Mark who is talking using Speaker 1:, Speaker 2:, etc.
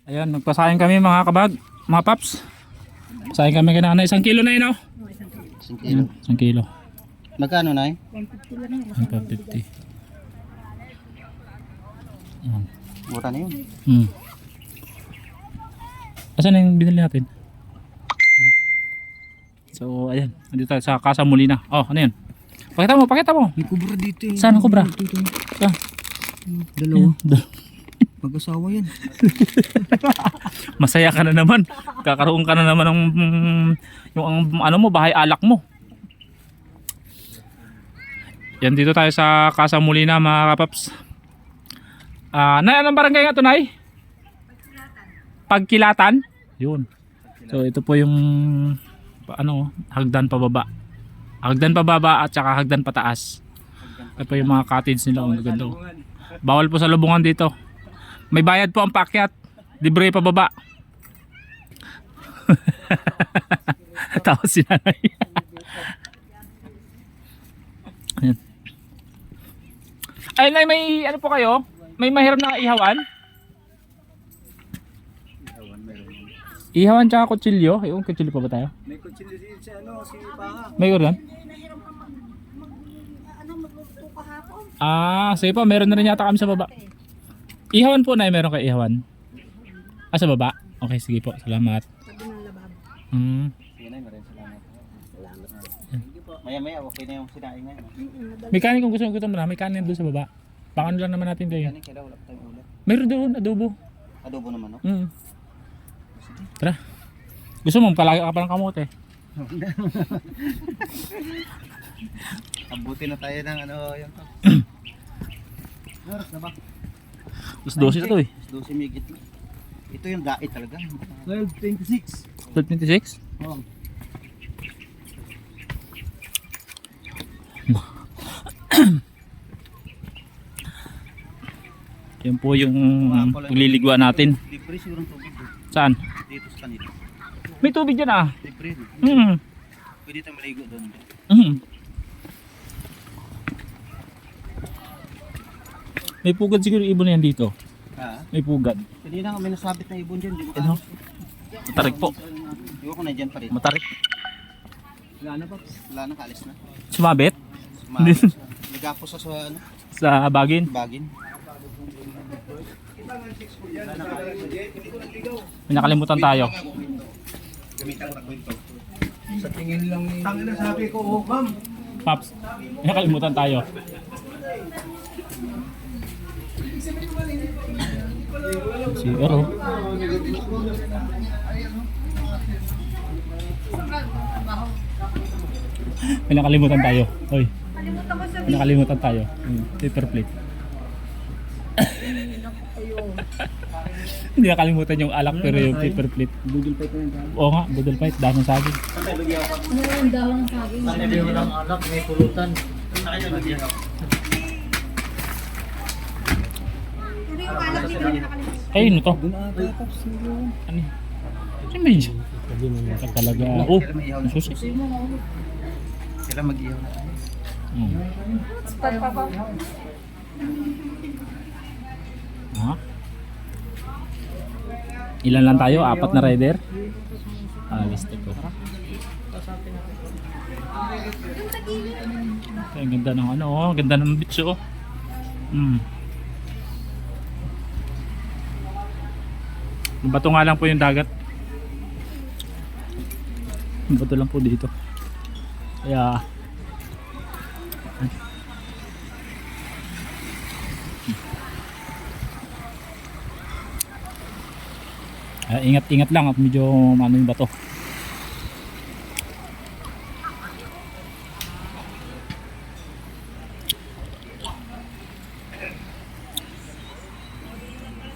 Speaker 1: Ayan, nagpasayang kami mga kabag, mga paps. Sayang kami kina na 1 kilo na yun, oh.
Speaker 2: 1 kilo.
Speaker 1: 1 kilo.
Speaker 2: Magkano na eh?
Speaker 1: 150. Ayan.
Speaker 2: Mura na yun.
Speaker 1: Asan na yung binili natin? So, ayan. Nandito tayo sa Casa Molina. Oh, ano yun? Pakita mo, pakita mo.
Speaker 2: May kubra dito eh.
Speaker 1: Saan ang kubra? Saan?
Speaker 2: Dalawa.
Speaker 1: Ayan.
Speaker 2: Mag-asawa yan.
Speaker 1: Masaya ka na naman. Kakaroon ka na naman ng yung ano mo, bahay alak mo. Yan, dito tayo sa Casa Molina mga kapaps. Nay, anong barangay nga ito, Nay? Pagkilatan. Yun. So ito po yung ano, hagdan pababa. Hagdan pababa at saka hagdan pataas. Ito po yung mga cottage nila, ang ganda. Bawal po sa lubungan dito. May bayad po ang paakyat. Libre pababa. Tapos si nanay. Ayan. Ay, Nay, may ano po kayo? May mahirap na ihawan? Ihawan tsaka kutsilyo. Yung kutsilyo pa ba tayo?
Speaker 2: May kutsilyo din si ano, si Paha.
Speaker 1: May ulan? Sige po, meron na rin yata kami sa baba. Ihawan po, Nay, meron kayo ihawan? Sa baba? Okay, sige po, salamat.
Speaker 2: Sige na, maraming salamat. Maya-maya, okay na yung sinaing ngayon.
Speaker 1: May kanin kung gusto mo na, may kanin doon sa baba. Pangano lang naman natin kayo.
Speaker 2: Kanin, kailan wala pa tayong ulam.
Speaker 1: Meron doon, adobo.
Speaker 2: Adobo naman, no?
Speaker 1: Tara. Gusto mo, palagi ka pa ng kamote.
Speaker 2: Abuti na tayo ng ano, yung to. Oras na ba?
Speaker 1: Mas 12 na to eh.
Speaker 2: 12 migit na. Ito yung dait talaga. 12.26.
Speaker 1: 12.26?
Speaker 2: Oo.
Speaker 1: Yan po yung pagliliguan natin.
Speaker 2: Libre sigurong tubig.
Speaker 1: Saan?
Speaker 2: Dito sa kanila.
Speaker 1: May tubig dyan ah.
Speaker 2: Libre. Pwede tayong maligo doon.
Speaker 1: May pugad siguro ibon na yan dito.
Speaker 2: Ha?
Speaker 1: May pugad.
Speaker 2: Pwede na may nasabit na ibon dyan. Di ba?
Speaker 1: Ano? Matarik po.
Speaker 2: Di ba kung nandyan pa rin?
Speaker 1: Matarik.
Speaker 2: Wala na pa. Wala na, kaalis na.
Speaker 1: Sumabit?
Speaker 2: Nagapos sa ano?
Speaker 1: Sa bagin.
Speaker 2: Bagin.
Speaker 1: May nakalimutan tayo.
Speaker 2: Sa tingin lang ni... Tangin na sabi ko, oh ma'am.
Speaker 1: Paps, may nakalimutan tayo. Siguro. May nakalimutan tayo. Hoy. May nakalimutan tayo. Paper plate. Hindi nakalimutan yung alak pero yung paper plate.
Speaker 2: Budol pa ito na yan.
Speaker 1: Oo nga, budol fight. Dahil ng saging.
Speaker 3: Ang dahon ng saging.
Speaker 2: Hindi mo lang alak, may pulutan.
Speaker 3: Pero yung alak dito na nakalimutan.
Speaker 1: Ay, ano to?
Speaker 2: Doon ata, Paps.
Speaker 1: Ano yun? Ano ba yun? Ito talaga. Oh, ang susi.
Speaker 2: Kailan mag-ihaw na tayo?
Speaker 1: Ha? Ilan lang tayo? 4 na rider? Liste ko. Ang ganda ng ano, oh. Ang ganda ng beach, oh. Bato nga lang po yung dagat. Bato lang po dito. Kaya ingat-ingat lang at medyo ano yung bato.